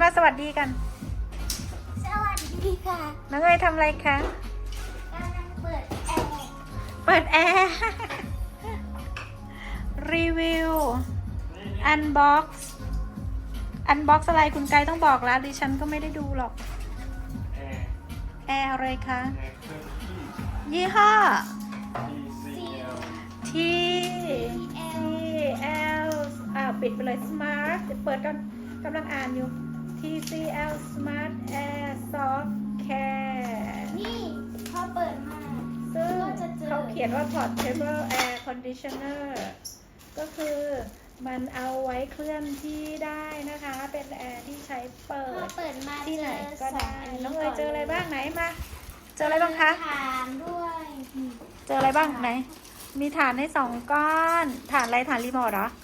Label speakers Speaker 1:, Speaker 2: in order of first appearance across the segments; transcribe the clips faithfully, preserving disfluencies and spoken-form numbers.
Speaker 1: ว่าสวัสดีกัน
Speaker 2: สวัสดีค่ะ
Speaker 1: น้องเอ๋ยทำอะไรคะ
Speaker 2: กำลังเปิดแอร์
Speaker 1: เปิดแอร์รีวิวอันบ็อกซ์อันบ็อกซ์อะไรคุณไกด์ต้องบอกแล้วดิฉันก็ไม่ได้ดูหรอกแอร์แอร์อะไรคะยี่ห้อ T T L อ่าปิดไปเลย Smart เปิดกันกำลังอ่านอยู่ T C L Smart Air Soft Care
Speaker 2: นี่พอเปิดมา
Speaker 1: ซึ่ง
Speaker 2: ก็จะเจอ
Speaker 1: เขาเขียนว่า Portable Air Conditioner ก็คือมันเอาไว้เคลื่อนที่ได้นะคะ เป็นแอร์ที่ใช้เปิ
Speaker 2: พอ
Speaker 1: ด
Speaker 2: เปิดมา
Speaker 1: ที่ไหนก็ได้
Speaker 2: เจอส
Speaker 1: น้องเอ๋ยเจออะไรบ้างไหนมา เจออะไรบ้างคะ
Speaker 2: ฐานด้วย
Speaker 1: เจออะไรบ้างไหน มีฐานให้สองก้อน ฐานอะไรฐานรีโมทเหรอ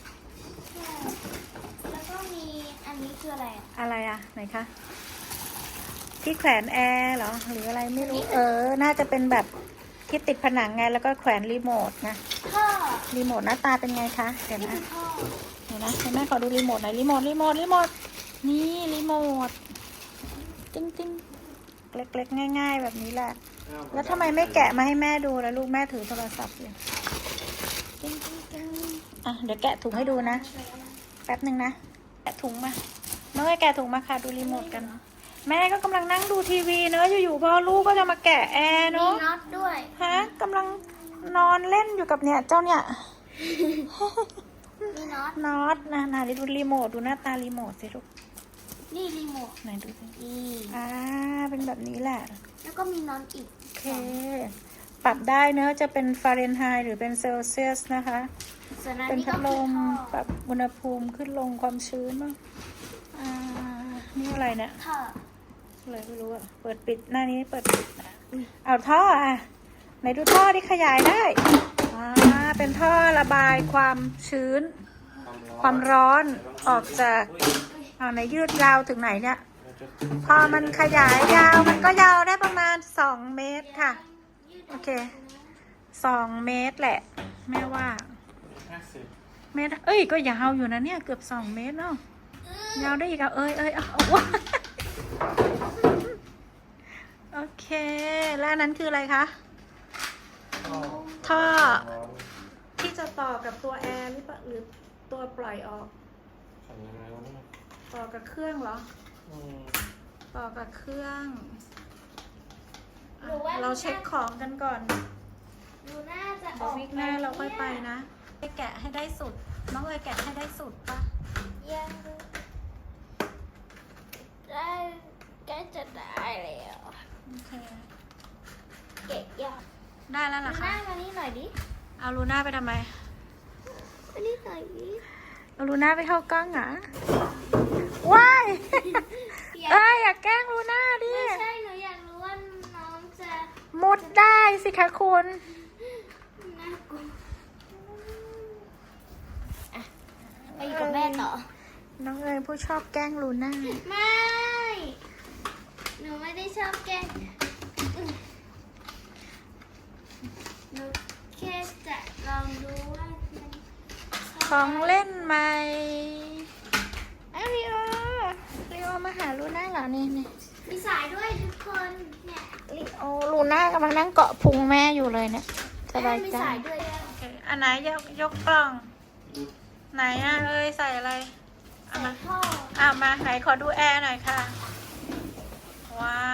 Speaker 2: แล้วก็มีอันนี้คืออะไรอ่ะ
Speaker 1: อะไรอะไหนคะ ที่แขวนแอร์เหรอ หรืออะไรไม่รู้ เออ น่าจะเป็นแบบที่ติดผนังไง แล้วก็แขวนรีโมทนะ
Speaker 2: ท่อ
Speaker 1: รีโมทหน้าตาเป็นไงคะ เดี๋ยว
Speaker 2: นี่
Speaker 1: นะ
Speaker 2: คือท่อ
Speaker 1: เดี๋ยวนะให้แม่ขอดูรีโมทหน่อย รีโมท รีโมท รีโมท นี่รีโมทติ้งติ้งเล็กๆง่าย ๆ แบบนี้แหละ แล้วทำไมไม่แกะมาให้แม่ดูแล้วลูกแม่ถือโทรศัพท์อยู่ติ้งติ้งติ้งอ่ะเดี๋ยวแกะถุงให้ดูนะ แป๊บหนึ่งนะ แกะถุงมาเมื่อแกะถุงมาค่ะดูรีโมทกัน แม่ก็กำลังนั่งดูทีวีเนอะอยู่ๆพ่อลูกก็จะมาแกะแอร์
Speaker 2: มี
Speaker 1: เนอะ
Speaker 2: น็อตด้วย
Speaker 1: ฮะกำลังนอนเล่นอยู่กับเนี่ยเจ้าเนี่ย
Speaker 2: มีน็อต
Speaker 1: น็อตนะนะดูรีโมทดูหน้าตารีโมทสิลูก
Speaker 2: นี่รีโมท
Speaker 1: ไหนดูสิ
Speaker 2: นี่
Speaker 1: อ่าเป็นแบบนี้แหละ
Speaker 2: แล้วก็มีน็อตอีก
Speaker 1: โอเค ปรับได้เนอะจะเป็นฟาเรนไฮต์หรือเป็นเซลเซียสนะคะ
Speaker 2: ส่วนอัน
Speaker 1: เป็น
Speaker 2: นี้
Speaker 1: พั
Speaker 2: ก็
Speaker 1: ดล
Speaker 2: คือ
Speaker 1: ม
Speaker 2: ท่อ
Speaker 1: ปรับอุณหภูมิขึ้นลงความชื้นบ้างอ่านี่อะไรเนี่ย
Speaker 2: ท่อ
Speaker 1: อะไรไม่รู้อะเปิดปิดหน้านี้เปิดปิดนะเอาท่ออ่ะไหนดูท่อที่ขยายได้อ่าเป็นท่อระบายความชื้น ความร้อนออกจากอ่าไหนยืดยาวถึงไหนเนี่ย พอมันขยายยาวมันก็ยาวได้ประมาณสองเมตรค่ะ โอเคสองเมตรแหละแม่ว่าเมตรเอ้ยก็ยาวอยู่นะเนี่ยเกือบสองเมตรเนาะยาวได้อีกอ่ะเอ้ยเอ้ยเอาว้าโอเคแล้วอันนั้นคืออะไรคะท่อที่จะต่อกับตัวแอร์หรือเปล่าหรือตัวปล่อยออกต่อกับเครื่องเหรอต่อกับเครื่องอ่ะเราเช็คของกันก่อน
Speaker 2: ดูน่าจะอ
Speaker 1: เดี๋ย
Speaker 2: อ
Speaker 1: ว
Speaker 2: ก
Speaker 1: วิกหน้าเราค่อยไปนะไปแกะให้ได้สุดน้องเอ๋ยแกะให้ได้สุดปะ
Speaker 2: ยังได้ใกล้จะได้แล้ว
Speaker 1: โอเค
Speaker 2: เก็บยอด
Speaker 1: ได้แล้วเหร
Speaker 2: ดู
Speaker 1: อ
Speaker 2: ห
Speaker 1: คะ
Speaker 2: น้ามานี่หน่อยดิ
Speaker 1: เอาลูน่าไปทำไม
Speaker 2: มานี่หน่อยดิ
Speaker 1: เอาลูน่าไปเข้ากล้องเหรอว้ายเอ้ยอย่าแกล้งลูน่าดิ
Speaker 2: ไม่ใช่หนูอยากรู้ว่าน้องจะ
Speaker 1: มุดได้สิคะคุณ
Speaker 2: น่ากลัวอ่ะไปอยู่กับแม่ต่อ
Speaker 1: น้องเอ๋ยผู้ชอบแกล้งลูน่า
Speaker 2: ไม่ หนูไม่ได้ชอบแกล้งหนูแค่จะลองดูว่ามัน
Speaker 1: ของเล่นใหม่อ้าวลีโอลีโอมาหาลูน่าเหรอนี่นี่
Speaker 2: มีสายด้วยทุกคนเนี่ย
Speaker 1: ลีโอลูน่ากำลังนั่งเกาะพุงแม่อยู่เลยเนี่ยสบาย
Speaker 2: มี
Speaker 1: ใจ
Speaker 2: สายด้วย
Speaker 1: โอเคอันไหนยกยกกล่อง ไหนอ่ะเอ้ยใส่อะไรเอา
Speaker 2: สา
Speaker 1: มา
Speaker 2: ยท่อ
Speaker 1: เอามาไหนขอดูแอร์หน่อยค่ะ ว้าว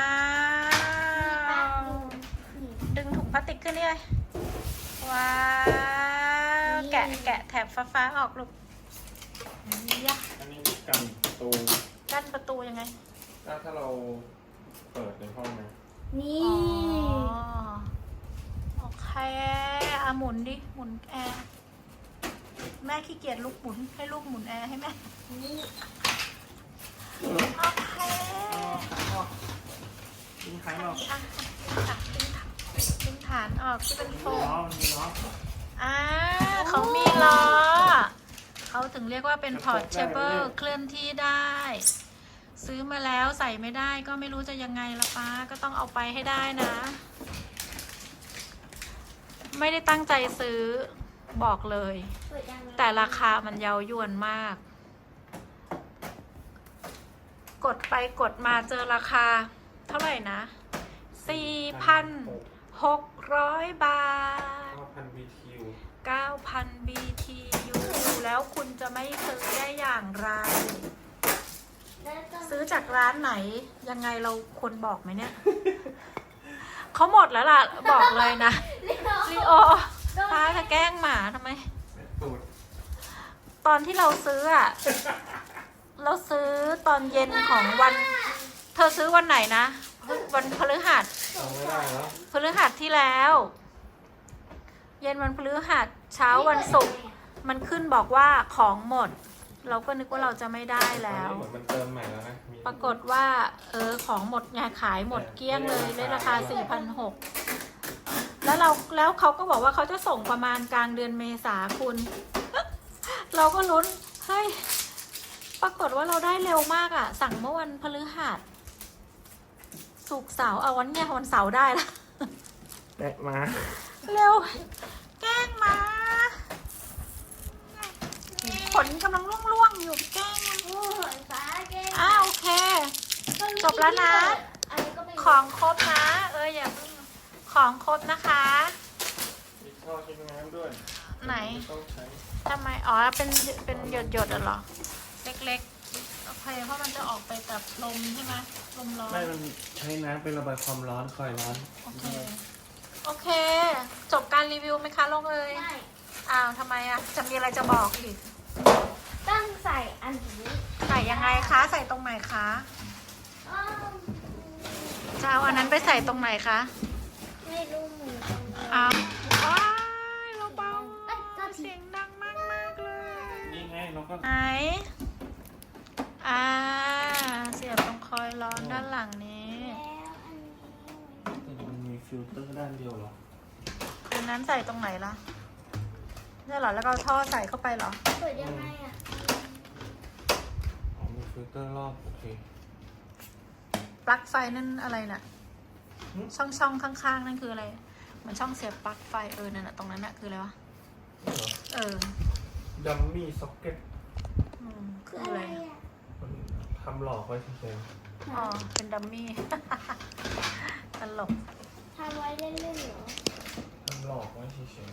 Speaker 1: ดึงถุงพลาสติกขึ้นนี่เลยว้าวแกะแกะแถบฟ้าๆออกลูกยะ
Speaker 3: อันนี้กันประตู
Speaker 1: กั้นประตูยังไง
Speaker 3: ถ้าถ้าเราเปิดในห้องนะ
Speaker 2: นี่
Speaker 1: อ๋อโอเคอ่ะหมุนดิหมุนแอร์แม่ขี้เกียจลูกหมุนให้ลูกหมุนแอร์ให้แม่
Speaker 2: นี่
Speaker 1: โอเค
Speaker 3: ทิ้งท้ายหรอก
Speaker 1: อ่ะอ่ะดึงฐานดึงฐานออกที่เป็นโฟ
Speaker 3: ล้อ
Speaker 1: ม
Speaker 3: มันมีล้อ
Speaker 1: อ่าเขามีล้อเขาถึงเรียกว่าเป็น portable เคลื่อนที่ได้ ซื้อมาแล้วใส่ไม่ได้ก็ไม่รู้จะยังไงละป้าก็ต้องเอาไปให้ได้นะ ไม่ได้ตั้งใจซื้อบอกเลย
Speaker 2: เปิดยังไง
Speaker 1: แต่ราคามันเยาวยวนมากกดไปกดมาเจอราคา เท่าไหร่นะ สี่พันหกร้อย บาท
Speaker 3: เก้าพัน บี ที ยู
Speaker 1: เก้าพัน บี ที ยู แล้วคุณจะไม่ซื้อได้อย่างไร
Speaker 2: แล้วก็
Speaker 1: ซื้อจากร้านไหน ยังไงเราควรบอกไหมเนี่ย เขาหมดแล้วล่ะ บอกเลยนะ ลีโอพาจะแกล้งหมาทำไม
Speaker 3: ตูด
Speaker 1: ตอนที่เราซื้ออะ เราซื้อตอนเย็นของวัน เธอซื้อวันไหนนะ วันพฤหัส
Speaker 3: เอาไม่ได้แล้ว
Speaker 1: พฤหัสที่แล้ว เย็นวันพฤหัสเช้าวันศุกร์มันขึ้นบอกว่าของหมด เราก็นึกว่าเราจะไม่ได้แล้ว
Speaker 3: เหมือนมันเติมใหม่แล้วนะมี
Speaker 1: ปรากฏว่า เออของหมดไงขายหมดเกลี้ยงเลยได้ราคา สี่พันหกร้อย แล้วเราแล้วเขาก็บอกว่าเขาจะส่งประมาณกลางเดือนเมษาคุณ เราก็ลุ้น เฮ้ย ปรากฏว่าเราได้เร็วมากอะ่ะ สั่งเมื่อวันพฤหัสศุกร์เสาร์เอาวันเนี้ยวันเสาร์ได้ละ
Speaker 3: แตะมา
Speaker 1: เร็ว แกล้งมาขนกำลังร่วงๆอยู่แกล้งมัน
Speaker 2: โอ้ยฟ้าแกล้ง
Speaker 1: อ้าโอเค จบแล้วนะ
Speaker 2: อะไรก็ไม่รู้
Speaker 1: ของครบนะ เอออย่าเพิ่งของครบนะคะ
Speaker 3: มีท่อทิ้งน้ำด้วย
Speaker 1: ไหน
Speaker 3: ต้องใช้
Speaker 1: ทำไม อ๋อ เป็นเป็นหยดหยดๆอะเหรอ เล็กๆโอเคเพราะมันจะออกไปกับลมใช่ไหมลมร้อน
Speaker 3: ไม่มันใช้น้ำเป็นระบายความร้อนคอยร้อน
Speaker 1: โอเค โอเค จบการรีวิวไหมคะลงเลย
Speaker 2: ไม่
Speaker 1: อ้าวทำไมอะจะมีอะไรจะบอกอีก
Speaker 2: ต้องใส่อันนี้
Speaker 1: ใส่ยังไงคะ ใส่ตรงไหนคะ
Speaker 2: อ้าว
Speaker 1: จะเอาอันนั้นไปใส่ตรงไหนคะ
Speaker 2: ไม่รู้เหมือนกัน
Speaker 1: อ้าวว้ายเราเบาเสียงดังมากมากๆเลย
Speaker 3: นี่ไงเราก็
Speaker 1: ไหน อ่า เสียบตรงคอยร้อนด้านหลังนี้
Speaker 2: แล้วอันนี้
Speaker 3: มันมีฟิลเตอร์ด้านเดียวเหรอ
Speaker 1: อันนั้นใส่ตรงไหนล่ะเนี่ยเหรอ แล้วก็เอาท่อใส่เข้าไปเหรอ
Speaker 2: เปิดยังไงอ่ะ
Speaker 3: อ๋อมีฟิลเตอร์รอบโอเค
Speaker 1: ปลั๊กไฟนั่นอะไรน่ะ
Speaker 3: หึ
Speaker 1: ช่องช่องข้างๆนั่นคืออะไรเหมือนช่องเสียบปลั๊กไฟเออนั่นน่ะตรงนั้นน่ะคืออะไรวะ
Speaker 3: นี่เหรอ
Speaker 1: เออ
Speaker 3: ดัมมี่ซ็อกเก็ต
Speaker 1: อืมคือ
Speaker 2: อะ
Speaker 1: อะไร ไร
Speaker 2: อ่ะ
Speaker 3: มันทำหลอกไว้เฉย
Speaker 1: อ๋อ เป็นดัมมี่ ตลก
Speaker 2: ทำไว้เล่นๆเหรอ
Speaker 3: ๆทำหลอกไว้เฉย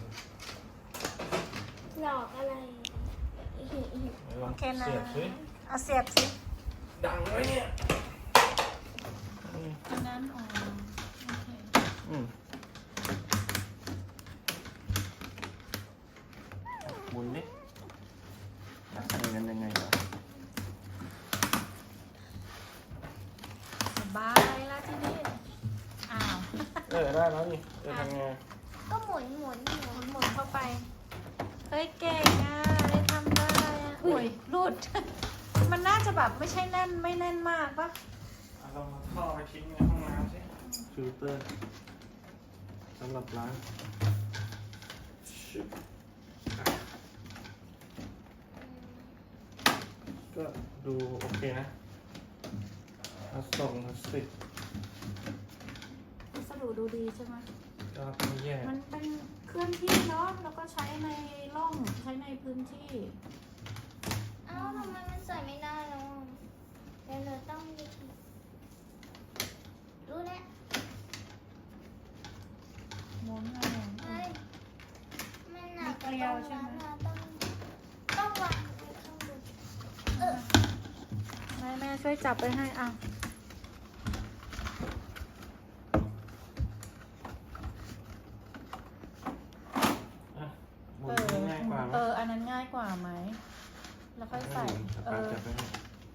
Speaker 2: หลอกอะไร
Speaker 3: ๆไหนลอ
Speaker 1: โอง เคนะ
Speaker 3: เสียบสิ
Speaker 1: เอาเสียบสิ
Speaker 3: ดังไว้เนี่ยอืม
Speaker 1: อันนั้นอ๋อโอเค
Speaker 3: อืมหมุนดิแล้วใส่เงินยังไงวะ
Speaker 1: สบายละที่นี่อ้าว
Speaker 3: เออได้แล้วนี่เออทำไง
Speaker 2: ก็หมุนหมุนหมุน
Speaker 1: หมุนเข้าไป เฮ้ยเก่งอ่ะ ได้ทำได้อ่ะอุ้ยรูด มันน่าจะแบบไม่ใช่แน่นไม่แน่นมากปะ
Speaker 3: เอาเราเอาท่อไปทิ้งในห้องน้ำสิฟิลเตอร์สำหรับล้างชึบอ่ะก็ดูโอเคนะพลาสติกพลาสติก
Speaker 1: วัสดุดูดีใช่ไหม
Speaker 3: ก็ไม่แย่
Speaker 1: มันเป็นเคลื่อนที่เนาะ แล้วก็ใช้ในร่อง ใช้ในพื้นที่
Speaker 2: เอ้าทำไมมันใส่ไม่ได้แล้วอ่ะเดี๋ยวเราต้องวิธีรู้แล้ว
Speaker 1: หมุนไงหมุน
Speaker 2: เฮ้ยมันหนัก
Speaker 1: มีเกลียวใช่ไหม
Speaker 2: ต้องต้องวางไว้ข้างบนเออ
Speaker 1: แม่แม่ช่วยจับไปให้อ่ะ
Speaker 3: อ่ะหมุ
Speaker 1: เอน อ
Speaker 3: ง่ายกว่าไหม
Speaker 1: เออ อันนั้นง่ายกว่าไหม แล้วค่อยใส่ เอ
Speaker 3: เอา
Speaker 1: อ
Speaker 3: จับไปให้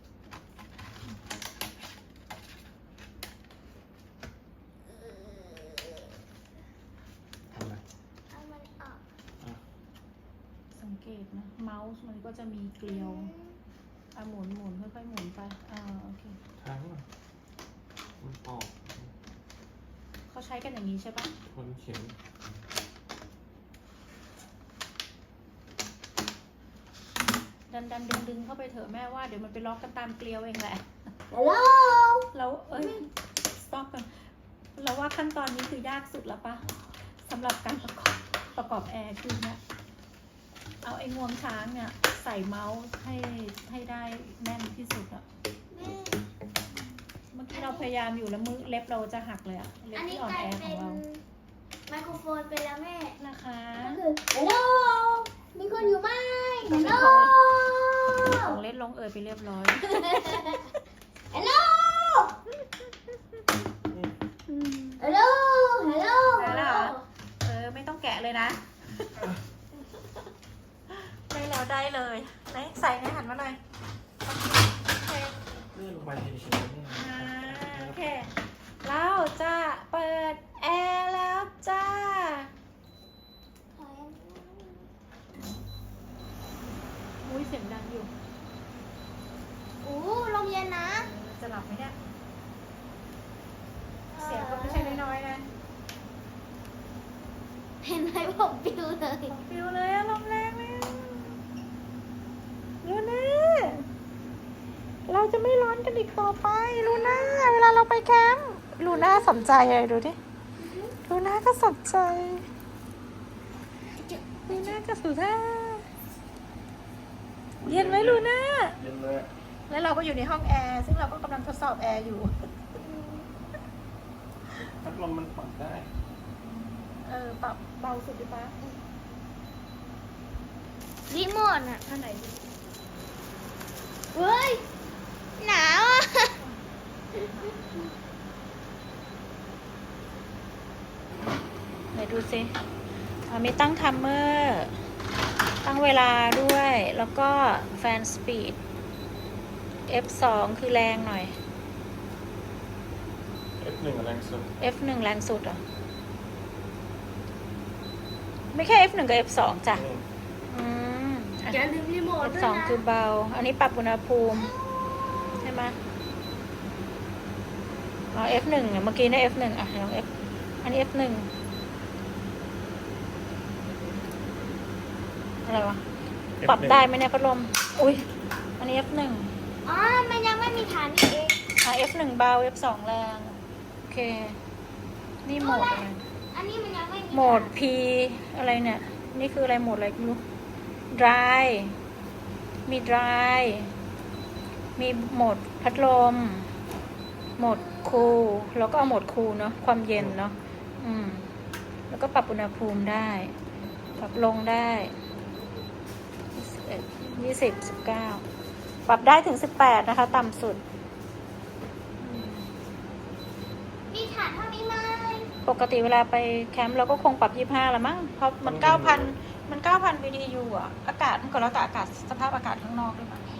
Speaker 3: ทำไม
Speaker 2: เอามันออก
Speaker 3: อ่ะ
Speaker 1: สังเกตนะ เมาส์มันก็จะมีเกลียว อ่ะหมุนหมุนค่อยๆหมุนไป อ่า โอเค
Speaker 3: ทางอ่ะมันออก
Speaker 1: เขาใช้กันอย่างนี้ใช่ปะ
Speaker 3: ทนเข็ม
Speaker 1: ดันดันดึงดึงเข้าไปเถอะแม่ว่าเดี๋ยวมันไปล็อกกันตามเกลียวเองแหละ
Speaker 2: ฮัลโหล
Speaker 1: แล้วเอ้ย stop กันแล้วว่าขั้นตอนนี้คือยากสุดแล้วปะสำหรับการประกอบประกอบแอร์คือเนี่ยเอาไอ้งวงช้างเนี่ยใส่เมาส์ให้ให้ได้แน่นที่สุดอะ
Speaker 2: แม่
Speaker 1: เราพยายามอยู่แล้วมือเล็บเราจะหักเลยอะเล็บ
Speaker 2: อันนี้
Speaker 1: ที่อ่อน
Speaker 2: กลาย
Speaker 1: แอข
Speaker 2: เป็
Speaker 1: อง
Speaker 2: น
Speaker 1: เรา
Speaker 2: ไมโครโฟนไปแล้วแม่
Speaker 1: นะคะ
Speaker 2: ก็คือฮัลโหลมีคนอยู่ไหมฮัลโหล
Speaker 1: ของเล็ดลงเอยไปเรียบร้อย
Speaker 2: ฮัลโหลฮัลโหลฮัลโหล
Speaker 1: ได้แล้วเหรอ เออไม่ต้องแกะเลยนะ ได้แล้วได้เลยไหนใส่ในหันมาหน่อยโอเค
Speaker 3: เลื่อนลงไปเฉยๆนี่
Speaker 1: อ่าโอเค เราจะเปิดแอร์แล้วจ้า อุ้ยเสียงดังอยู่
Speaker 2: อู้ลมเย็นนะ
Speaker 1: จะหลับไหมเนี่ย เสียงก็ไม่ใช่น้อยๆนะ
Speaker 2: เห็นไหมผมปิวเลย
Speaker 1: ฟิวเลยอะลมแรงเลยลูน่าเราจะไม่ร้อนกันอีกต่อไปลูน่าเวลาเราไปแคมป์ลูน่าสนใจอะไรดูดิลูน่าก็สนใจลูน่าก็สุดท่าเย็นไหมลูน่า
Speaker 3: เย็นเลย
Speaker 1: แล้วเราก็อยู่ในห้องแอร์ซึ่งเราก็กำลังทดสอบแอร์อยู่
Speaker 3: พัดลมมันปรับได้
Speaker 1: เออปรับเบาสุดดิป้า
Speaker 2: รีโมทอ่ะ
Speaker 1: ท่าไหนดี
Speaker 2: เฮ้ย หนาวอ่ะ
Speaker 1: ไหนดูสิอ่ามีตั้งทัมเมอร์ ตั้งเวลาด้วย แล้วก็แฟนสปีด เอฟ สอง คือแรงหน่อย
Speaker 3: เอฟ หนึ่ง แรงสุด
Speaker 1: เอฟ หนึ่ง แรงสุดเหรอ่ะ ไม่แค่ เอฟ หนึ่ง กับ เอฟ สอง จ้ะ
Speaker 3: อืม
Speaker 1: อืมอ่ะ
Speaker 2: อย่าลืมรีโมท
Speaker 1: เอฟ
Speaker 2: ด้วย
Speaker 1: สอง
Speaker 2: นะ
Speaker 1: คือเบา อันนี้ปรับอุณหภูมิ ใช่ไหมอ๋อ เอฟ หนึ่ง เนี่ยเมื่อกี้เนี่ย เอฟ หนึ่ง อ่ะลอง F อันนี้ เอฟ หนึ่ง อะไรวะ ปรับได้ไหมเนี่ยพัดลม อุ้ย อันนี้ เอฟ หนึ่ง
Speaker 2: อ๋อ มันยังไม่มีฐานนี่เอง
Speaker 1: อ่ะ เอฟ หนึ่ง เบา เอฟ สอง แรง โอเค นี่โหมดอะไร
Speaker 2: อันนี้มันยังไม่มี
Speaker 1: โหมด P อะไรเนี่ย นี่คืออะไรโหมดอะไรไม่รู้ dry มี dry มีโหมดพัดลม โหมด cool แล้วก็เอาโหมด cool เนาะ ความเย็นเนาะ อืม แล้วก็ปรับอุณหภูมิได้ ปรับลงได้ยี่สิบ สิบเก้า ปรับได้ถึงสิบแปดนะคะ ต่ำสุด
Speaker 2: มีฐานเท่านี้ไหม
Speaker 1: ปกติเวลาไปแคมป์เราก็คงปรับยี่ห้าละมั้ง เพราะมันเก้าพันมันเก้าพัน บี ที ยู อ่ะ อากาศมันก็แล้วแต่อากาศสภาพอากาศข้างนอกด้วยมั้ง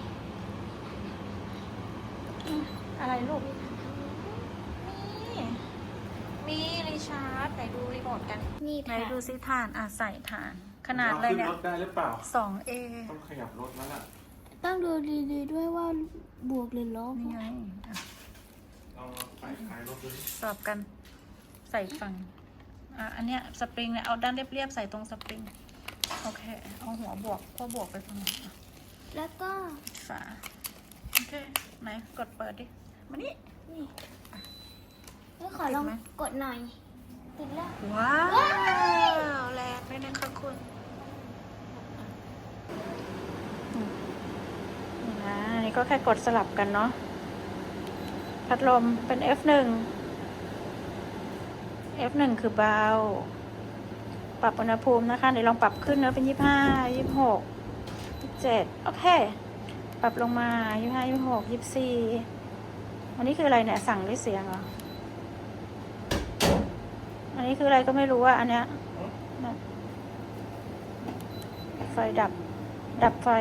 Speaker 1: อืมอะไรลูก นี่ มีรีชาร์จไหนดูรีโมทกัน
Speaker 2: มี
Speaker 1: ไหน
Speaker 2: ฐาน
Speaker 1: ดูซิฐาน อ่ะ ใส่ฐาน ขนาดอะไรเนี่ย
Speaker 3: ขึ้นรถได้หรือเปล่า
Speaker 1: สองเอ
Speaker 3: ต้องขยับรถแล้วล่ะ
Speaker 2: ต้องดูดีๆด้วยว่าบวกหรือลบ
Speaker 1: นี่ไงอ่ะ
Speaker 3: ลองใส่ท้ายรถดูดิ
Speaker 1: สอบกัน ใส่ฝั่ง อ่ะ อันเนี้ยสปริงเนี่ย เอาด้านเรียบๆ ใส่ตรงสปริง โอเค เอาหัวบวกก็บวกไปตรงนี้อ่ะ
Speaker 2: แล้วก็
Speaker 1: ฝา โอเค ไหน กดเปิดดิ มานี่ นี่
Speaker 2: เอ้ยขอลอง
Speaker 1: ติดไหม
Speaker 2: กดหน่อย ติดแล้ว
Speaker 1: ว้าว แรงด้วยนะคะคุณอืมนี่นะอันนี้ก็แค่กดสลับกันเนาะ พัดลมเป็น เอฟ หนึ่ง เอฟ หนึ่ง คือเบา ปรับอุณหภูมินะคะ เดี๋ยวลองปรับขึ้นเนอะเป็นยี่สิบห้า ยี่สิบหก ยี่สิบเจ็ด โอเค ปรับลงมา ยี่สิบห้า ยี่สิบหก ยี่สิบสี่ อันนี้คืออะไรเนี่ย สั่งด้วยเสียงเหรอ อันนี้คืออะไรก็ไม่รู้อะอันเนี้ยนะไฟดับ ดับไฟ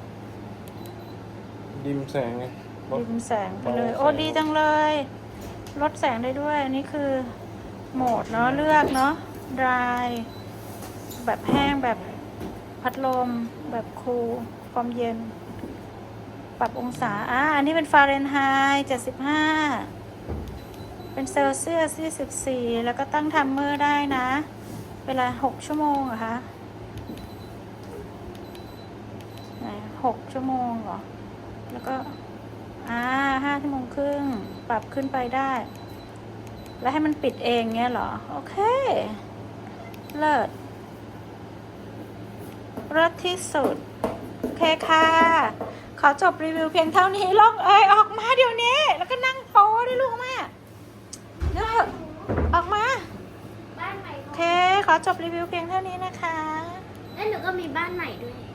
Speaker 3: ดิมแสงไงรถ
Speaker 1: ดิมแสงไปเลย
Speaker 3: เบา
Speaker 1: โอ้
Speaker 3: แสง
Speaker 1: ดีจังเลย ลดแสงได้ด้วย อันนี้คือโหมดเนาะ เลือกเนาะ dry แบบแห้งแบบพัดลม แบบคูลความเย็น ปรับองศา อ่า อันนี้เป็นฟาเรนไฮต์เจ็ดสิบห้า เป็นเซลเซียสยี่สิบสี่ แล้วก็ตั้งทัมเมอร์ได้นะ เวลาหกชั่วโมงเหรอคะไหนหกชั่วโมงเหรอ แล้วก็ อ่าห้าชั่วโมงครึ่ง ปรับขึ้นไปได้ แล้วให้มันปิดเองเงี้ยเหรอ โอเค เลิศเลิศที่สุด โอเคค่ะ ขอจบรีวิวเพียงเท่านี้ลงเอยออกมาเดี๋ยวนี้ แล้วก็นั่งโพสดิลูกแม่เดี๋ยวเถอะออกมา
Speaker 2: บ้านใหม่
Speaker 1: โอเค ขอจบรีวิวเพียงเท่านี้นะคะ
Speaker 2: แล้วหนูก็มีบ้านใหม่ด้วย